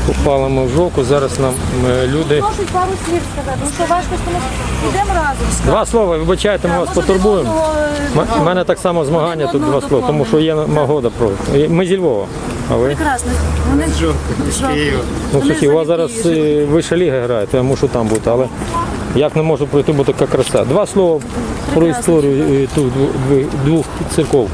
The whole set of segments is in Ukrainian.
попалимо в жовку. Зараз нам люди... Можуть пару слів сказати, ну що важко, тому йдемо разом. Два слова, вибачайте, ми вас потурбуємо. У мене так само змагання тут два слова, тому що є нагода про. Ми зі Львова, а ви? Прекрасно. Вони з Києва. Ну, слухай, у вас зараз вища ліга грає, то я мушу там бути, але як не можу пройти, бо така краса. Два слова про історію тут двох церков.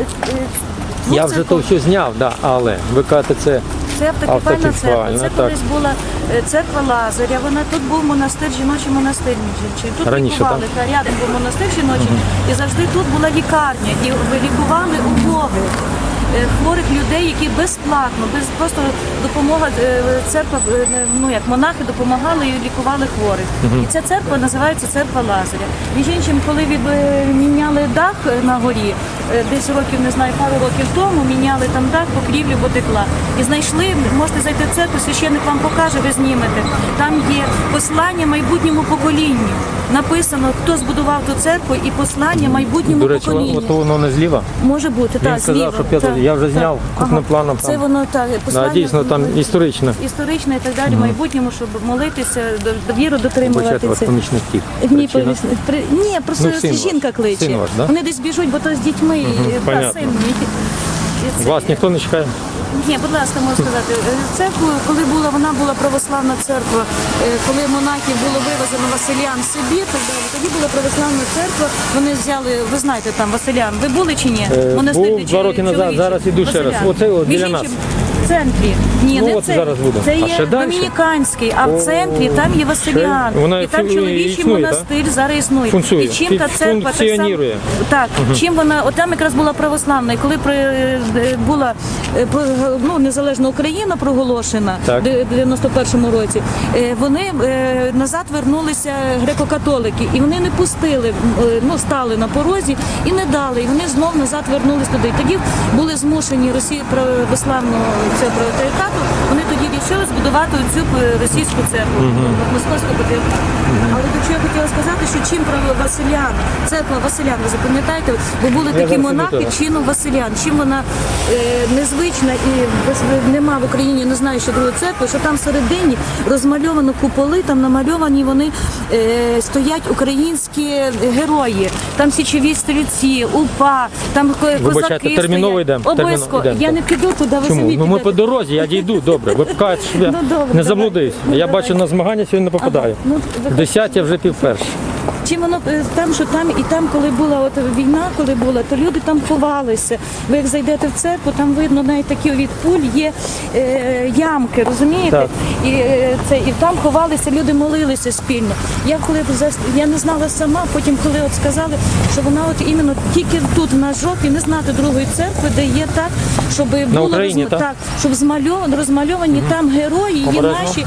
Я вже то все зняв, да, але ви кажете, це автокефальна церква. Це колись була церква Лазаря. Тут був монастир, жіночий монастир. Тут раніше, лікували, рядом був монастир жіночий, і завжди тут була лікарня. І лікували убогих, хворих людей, які безплатно, без просто допомога церква, ну як монахи допомагали і лікували хворих. І ця церква називається церква Лазаря. Між іншим, коли міняли дах на горі, десь років, не знаю, пару років тому, міняли там дах, покрівлю потекла. І знайшли, можете зайти в церкву, священник вам покаже, ви знімете. Там є послання майбутньому поколінню. Написано, хто збудував ту церкву і послання майбутньому поколінню. До речі, воно не зліва? Може бути, так, зліва. Він сказав, що я вже зняв крупним планом. Це воно так, послання. Дійсно, там історичне. Історичне і так далі, в майбутньому, щоб молитися, віру дотримуватися. Ваш помічник тік. Ні, просто жінка кличе. Син ваш, да? Вони десь біжуть, бо то з дітьми, та син мій. Вас ніхто не чекає? Ні, будь ласка, можу сказати. Церкву, коли вона була православна церква, коли монахів було вивезено Василян в Сибір, тоді була православна церква, вони взяли, ви знаєте там Василян, ви були чи ні? Був 2 роки назад, зараз іду ще раз. Оце біля нас. В центрі. Ні, не в центрі. Це є Домініканський, а в центрі там є Василян. І там чоловічий монастир зараз існує. І чим та церква так само. Так, чим вона, от там якраз була православна. І коли була незалежна Україна проголошена в 91-му році, вони назад вернулися греко-католики. І вони не пустили, стали на порозі і не дали. І вони знов назад вернулись туди. І тоді були змушені Росії православного цього патріархату, вони тоді вирішили збудувати цю російську церкву, Московську патріархату. Але до чого я хотіла сказати, що чим Василян, церква Василян, ви запам'ятаєте, бо були такі монахи чином Василян, чим вона незвична і нема в Україні, не знаю, що другої церкви, що там всередині розмальовано куполи, там намальовані вони стоять українські герої, там січові стрільці, УПА, там козаки терміново йдемо. Обов'язково. Я не піду туди, ви самі підете. Ми по дорозі, я дійду, добре. Ви покажете, щоб я не заблудився. Я бачу, на змагання сьогодні не попадаю. В 10 я вже пів-перший. Чим воно там, що там, і там, коли була війна, то люди там ховалися. Ви як зайдете в церкву, там видно навіть такі від пуль є ямки, розумієте? І там ховалися, люди молилися спільно. Я не знала сама, потім коли сказали, що вона іменно тільки тут на жовтій, не знати другої церкви, де є так, щоб було щоб розмальовані там герої, є наші,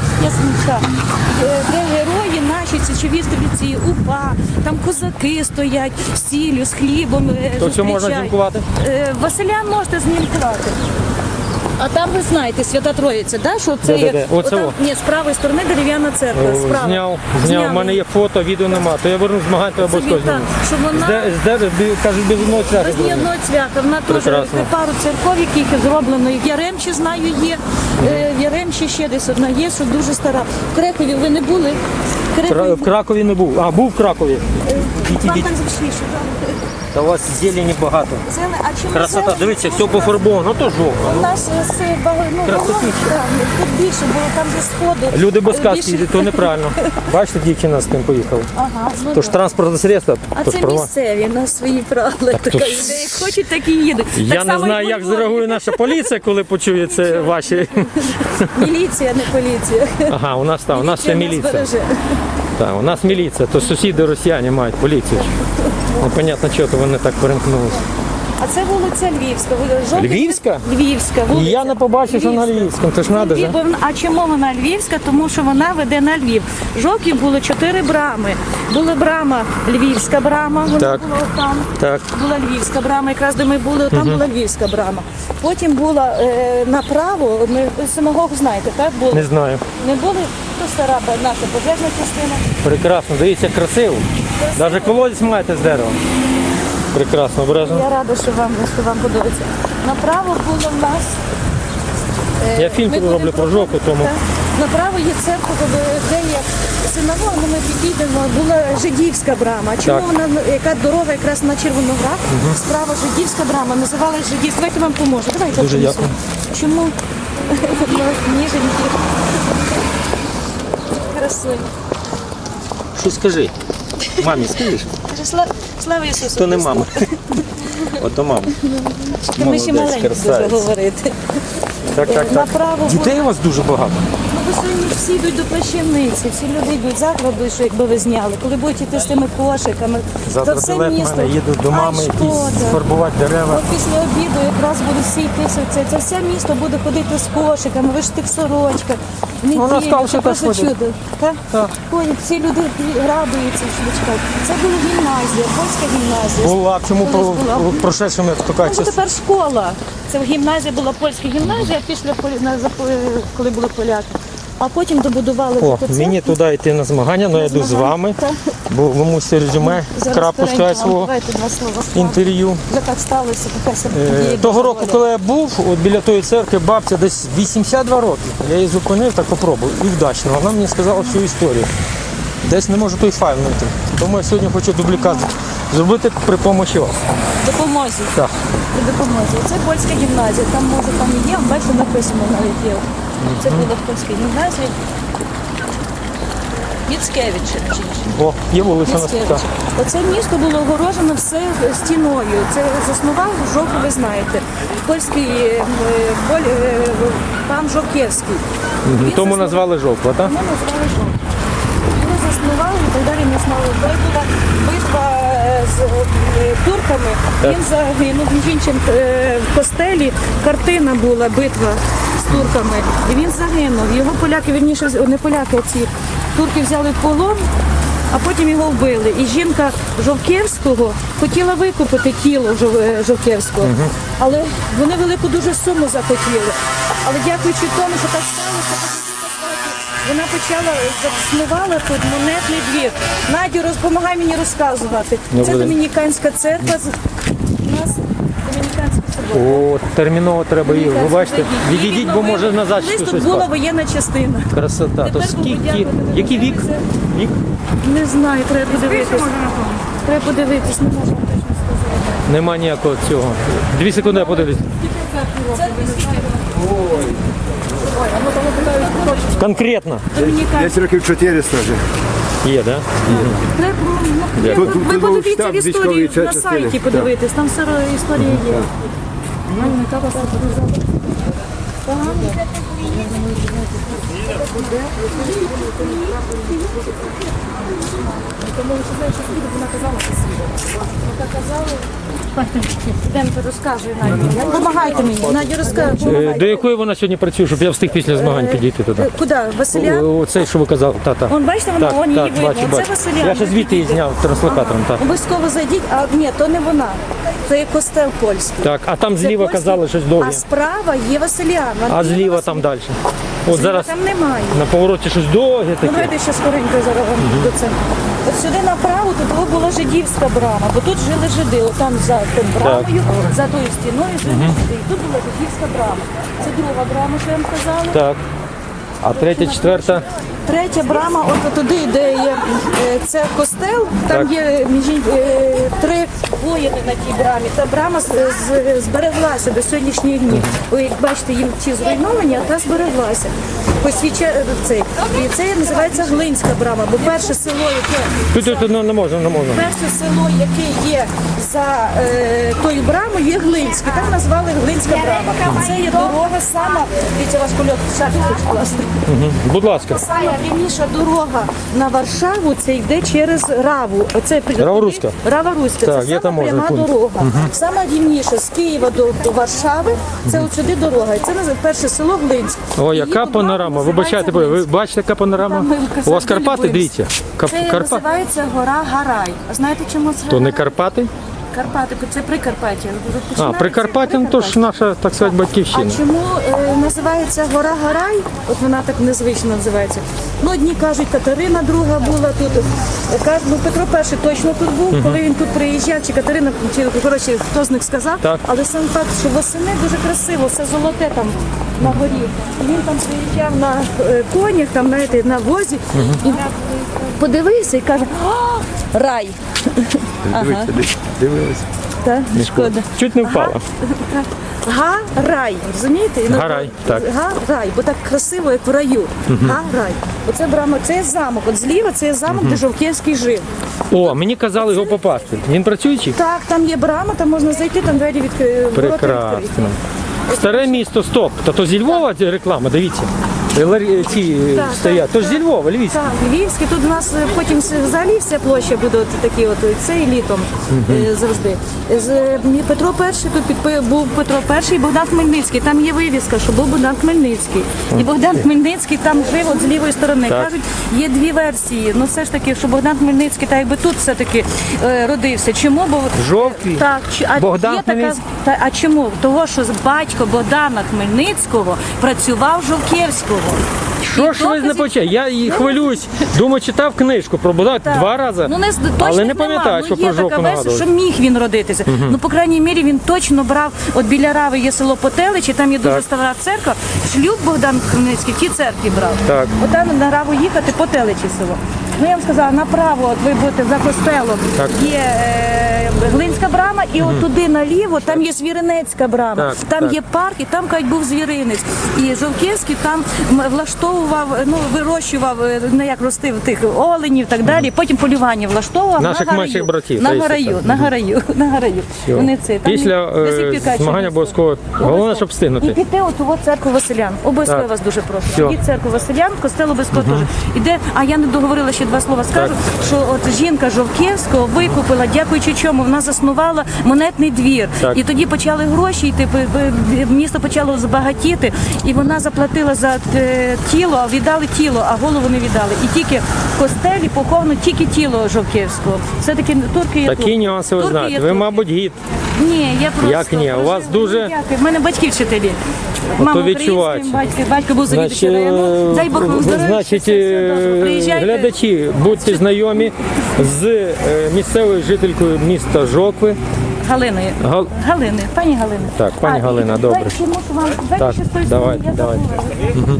де герої наші січові стрільці, УПА, там козаки стоять з сіллю, з хлібом. То що можна знімкувати? Василян можете знімкувати. А там ви знаєте, Свята Троїця, да? Що це є? Ні, з правої сторони дерев'яна церква. Зняв. У мене є фото, відео нема. То я верну змагань, то обов'язково зніму. Кажуть, без одного цвяха. Без ні одного цвяха. Вона теж пару церков, яких зроблено. В Яремчі, знаю, є. В Яремчі ще десь одна є, що дуже стара. В Кракові ви не були? В Кракові не був. А, був в Кракові. Вам там зручніше, так? Та у вас зелені багато. Красота, дивіться, все пофарбовано, то жовто. У нас тут більше, бо там же сходи. Люди без каски, то неправильно. Бачите, дівчина з тим поїхала. Тож транспортне средство. А це місцеві, на свої правила. Як хочуть, так і їдуть. Я не знаю, як зреагує наша поліція, коли почує це ваші. Міліція, не поліція. Ага, у нас ще міліція. Так, у нас міліція, то сусіди росіяни мають поліцію. Непонятно, чого то вони так перемкнулися. А це вулиця Львівська. Львівська? Львівська вулиця. Я не побачив, що на Львівському. Тож треба ж. А чому вона Львівська? Тому що вона веде на Львів. Жовків було 4 брами. Була брама, Львівська брама, вона була там. Так. Була Львівська брама, якраз де ми були, там була Львівська брама. Потім була направо, ми синагогу знаєте, так? Були? Не знаю. Не були? То стара наша пожежна частина. Прекрасно, дивіться, красиво. Навіть колодязь маєте з дерева. Прекрасно, обережно. Я рада, що вам подобається. Направо було в нас Я фільм ми роблю будемо про жовту, тому. Так. Направо є церква, де є синагога, але ми підійдемо. Була жидівська брама. Чому Так. вона, яка дорога якраз на Червоноград, справа жидівська брама, називалась жидівська. Давайте вам поможу. Давайте. Дуже дякую. Чому? Ніженькі. Красиві. Що скажи? Мамі скажеш? Слава Ісусу! То не Христу. мама. Ото мама. Ми ще маленькі дуже красавець. говорити. Так, так, так. Направо Дітей у вас дуже багато. Ну, ви сьогодні всі йдуть до плащівниці, всі люди йдуть завтра, що якби ви зняли. Коли будете йти з тими кошиками, Завтра то все білет в місто. мене, їду до мами, Ай, якісь шкода. фарбувати дерева. От після обіду якраз будуть всі йти, це все місто буде ходити з кошиками, ви ж в тих сорочках. Ну, на скал ще це просто теж ходять. чудо. Так? Так. Ходять, всі люди радуються, що чекають. Це була гімназія, польська гімназія. Була, чому Колись була. прошедшому така Ну, тепер школа. Це гімназія була польська гімназія, після коли були поляки. А потім добудували О, таку мені церкву. туди йти на змагання, але я йду з вами, Так. бо ви мусите резюме, Зараз крапку скоренько сказати вам свого давайте два слова. інтерв'ю. Вже так сталося, така собі. Того року, коли я був, от біля тої церкви, бабця десь 82 роки. Я її зупинив, так попробую, і вдачно. Вона мені сказала всю історію. Десь не можу той файл знайти. Тому я сьогодні хочу дублікат зробити при допомозі вас. Допомозі. Так. При допомозі. Це польська гімназія. Там може там і є, бачите, написано навіть є. Це була в польській гімназії. Міцкевич. О, є вулиця на Міцкевич. така. Оце місто було огорожено все стіною. Це заснував Жовку, ви знаєте. Польський пан Жовківський. Він Тому заснував- назвали жовтва, так? Ми назвали Жовку. Його заснували і так далі не знали. Коли була битва з турками, він загинув. Між іншим в костелі картина була битва з турками. І він загинув. Його поляки, вірніше, не поляки, а ці турки взяли в полон, а потім його вбили. І жінка Жовківського хотіла викупити тіло Жовківського. Але вони велику дуже суму захотіли. Але дякуючи тому, що так сталося, вона почала заснувала тут монетний двір. Надю, допомагай мені розказувати. Це Добре. домініканська церква. У нас домініканська собор. О, терміново треба їх. Ви бачите? Відійдіть, бо може назад Колись щось тут була впаде. воєнна частина. Красота. То Тепер скільки? подякувати. Який вік? Вік? Не знаю, треба подивитись. Треба подивитись, не можу точно сказати. Нема ніякого цього. 2 секунди я подивлюсь. Конкретно. Домініканська. Десь років 400 вже. Є, так? Треба, Тут ви був подивіться штаб в історії військової на частини. сайті, подивитись, там все історія є. Демко, розказуй, Надя. Допомагайте мені. Надя, розказуй. До якої вона сьогодні працює, щоб я встиг після змагань підійти туди? Куди? Василя? Оцей, що ви казали, та. Вон, бачите, вона, вон її видно. бачу, Це бачу. Василя. Я ще звідти її зняв транслокатором, так. Обов'язково зайдіть, а ні, то не вона. Це є костел польський. Так, а там Це зліва польський, казали щось довге. А справа є Василян. А зліва там далі. От зараз Там немає. на повороті щось довге Ну, таке. давайте ще скоренько зараз вам до цього. От сюди направо тут була жидівська брама, бо тут жили жиди. Отам за тим брамою, за тою стіною жили жиди. І тут була жидівська брама. Це друга брама, що я вам казала. Так. А третя, четверта. Третя брама, от туди, де є це костел, там Так. є три воїни на тій брамі. Та брама збереглася до сьогоднішніх днів. Ви як бачите, їм ті зруйновані, а та збереглася. Цей. І це називається Глинська брама, бо перше село, яке Тут не можна. перше село, яке є за тою брамою, є Глинське. Так назвали Глинська брама. Це є дорога сама. Дивіться, ваш кольок шапки хоч класти. Будь ласка. Сама рівніша дорога на Варшаву, це йде через Раву. Оце Рава-Руська? Рава-Руська. Так, Це є сама таможня, пряма пункт. дорога. Сама рівніша з Києва до Варшави, це от сюди дорога. І це називається перше село Глинськ. О, Її яка будова панорама. називається Вибачайте, ви Глинськ. бачите, яка панорама? Там ми в У вас Касаді Карпати, любуємося. дивіться. Це Карпати. називається гора Гарай. А знаєте, чому це То не Гарай? Карпати? Карпати, це Прикарпаття. Прикарпаття, ну то ж наша, так сказати, батьківщина. А чому називається гора Гарай? От вона так незвично називається. Ну, одні кажуть, Катерина друга була тут. Кажуть, ну, Петро І точно тут був, коли він тут приїжджав, чи Катерина, чи, коротше, хто з них сказав. Так. Але сам факт, що восени дуже красиво, все золоте там на горі. Він там приїжджав на конях, там, знаєте, на возі, і подивився і каже, о, рай. Дивилися. Так, шкода. Чуть не впала. Га-рай, розумієте? Гарай, так. Га-рай, бо так красиво, як в раю. Га-рай. Оце брама, це є замок. От зліва це є замок, де Жовківський жив. О, мені казали його попасти. Він працюючий? Так, там є брама, там можна зайти, там двері відкриті. Прекрасно. Старе місто, стоп. Та то зі Львова ця реклама, дивіться. Ці стоять. То ж зі Львова, Львівська. Так, Львівський. Тут у нас потім взагалі вся площа буде от такі от цей літом завжди. Петро І, тут був Петро І і Богдан Хмельницький. Там є вивіска, що був Богдан Хмельницький. І Богдан Хмельницький там жив от з лівої сторони. Так. Кажуть, є дві версії. Ну все ж таки, що Богдан Хмельницький так якби тут все-таки родився. Чому? Бо Жовтий. Так, Богдан є така, Хмельницький. а чому? Того, що батько Богдана Хмельницького працював в Жовківського. Що ж ви не почали? Я її хвилююсь. Думаю, читав книжку про Богдана два рази, Ну, але не пам'ятаю, що про є така жовту версія, нагадували. що міг він родитися. Ну, по крайній мірі, він точно брав, от біля Рави є село Потеличі, там є дуже Так. стара церква. Шлюб Богдан Хмельницький в тій церкві брав. Так. От там на Раву їхати, Потеличі село. Ну, я вам сказала, направо, от ви будете за костелом, Так. є Глинська брама, і от туди наліво, там є Звіринецька брама. Так, Там так. є парк, і там, кажуть, був звіринець. І Жовківський там влаштовував, ну, вирощував, ну, як ростив тих оленів і так далі. Потім полювання влаштовував Наших на гараю. менших братів, На та й гараю, так. на гараю, на гараю. Всьо. Вони це, там Після до сих пір кажуть, змагання що обов'язково. Головне, щоб і встигнути. піти от у церкву Василян. Обов'язково Так. вас дуже прошу. Всьо. Ідіть в церкву Василян, костел обов'язково теж. Іде, а я не договорила, ще два слова скажу, що от жінка Жовківського викупила, дякуючи чому, вона заснувала монетний двір. Так. І тоді почали гроші йти, місто почало збагатіти, і вона заплатила за тіло, а віддали тіло, а голову не віддали. І тільки в костелі поховано тільки тіло Жовківського. Все-таки турки є Такі турки. нюанси ви Турки знаєте. є Ви, турки. мабуть, гід. Ні, я просто... Як ні? У вас Ну, дуже- дякую. В мене батьки вчителі. Мама відчувається. українським, батько був завідувачем Значить, району. Дай Бог вам здоров'я. значить, все добре. Приїжджайте. глядачі, будьте знайомі з місцевою жителькою міста Жокви. Галиною. Галини, пані Галина. Так, пані Галина, добре. Дайте, мушу вам, дайте Так, ще з тої давайте, сторони, я давайте. забула.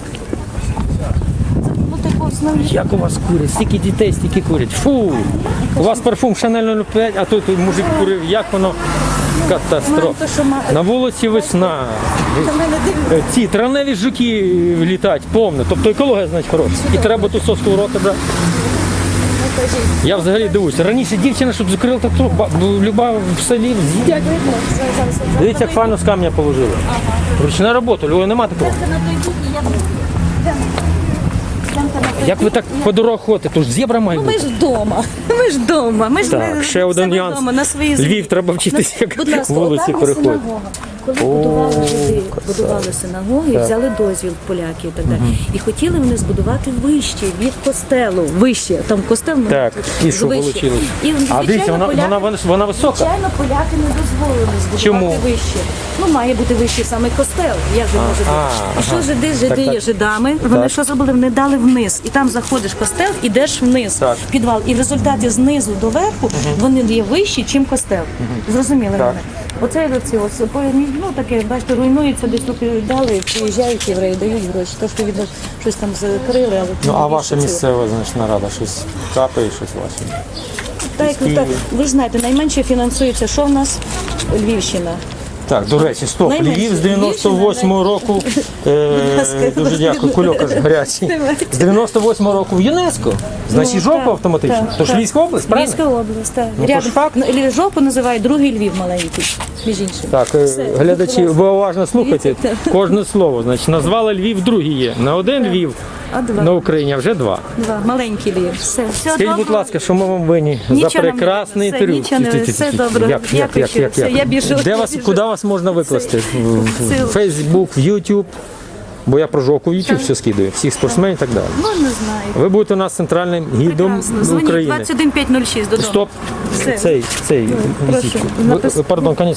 Це було таке основне. Як у вас курять? Стільки дітей, стільки курять. Фу! У вас парфум Chanel 05, а тут мужик курив. Як воно? Катастрофа. То, що має. На вулиці весна. Це в мене дивно. Ці травневі жуки літають повно. Тобто екологія, значить, хороша. І треба ту соску в рота брати. Я взагалі дивуюся. Раніше дівчина, щоб закрила так труб, люба в селі з'їдять. Дивіться, як файно з камня положили. Ручна робота, Львова нема такого. Як ви так по дорогах ходите? То ж зебра має Ми бути. ж вдома. Ми ж вдома. Ми ж Так, не- ще один себе нюанс. вдома, на своїй землі. Львів треба вчитися, як Будь ласка, вулиці отам є переходять. синагога. Коли будували синагоги, взяли дозвіл поляків і так далі. І хотіли вони збудувати вище від костелу. Вище. Там костел ну, Так, і що вище. вийшло? І, А звичайно, дивіться, вона висока. Звичайно, поляки не дозволили збудувати Чому? вище. Ну, має бути вищий саме костел. Як же може бути? І що жиди Так. є жидами? Вони що зробили? Вони дали вниз. І там заходиш в костел, ідеш вниз, Так. в підвал. І в результаті знизу до верху вони є вищі, ніж костел. Зрозуміли Так. мене? Оце ось, ну таке, бачите, руйнується, десь тут дали, приїжджають євреї, дають гроші. Трошки від щось там закрили, але Ну, а більше ваша цього. місцева, значить, нарада щось капає, щось ваше. Так, ви ж знаєте, найменше фінансується, що в нас? Львівщина. Так, до речі, стоп. Найменше. Львів з 98-го року. Дуже дякую, кульок аж гарячий. З 98-го року в ЮНЕСКо. Значить, Ну, жопа так, автоматично. так, Тож так. Львівська область, правильно? Львівська область, так. Ну, то ж факт. Жопу називають другий Львів маленький, між іншим. Так, глядачі, ви уважно слухайте кожне слово. Значить, назвали Львів, другий є. На один Львів А два. на Україні, а вже два. Два, маленький Львів. Все Скажіть, будь добре. ласка, що ми вам винні за Нічого нам не прекрасний винні. інтерв'ю? Все, нічого не- все добре. Дякую щиро. Все, я біжу. Де вас, Біжу. куди вас можна викласти? Все. В Фейсбук, в Ютуб? Бо я про жовку YouTube все скидаю, всіх спортсменів і так далі. Ну, не знаю. Ви будете у нас центральним гідом Прекрасно. Дзвоніть України. 21506 додому. Стоп. Все. Цей. Прошу, Пардон, конець.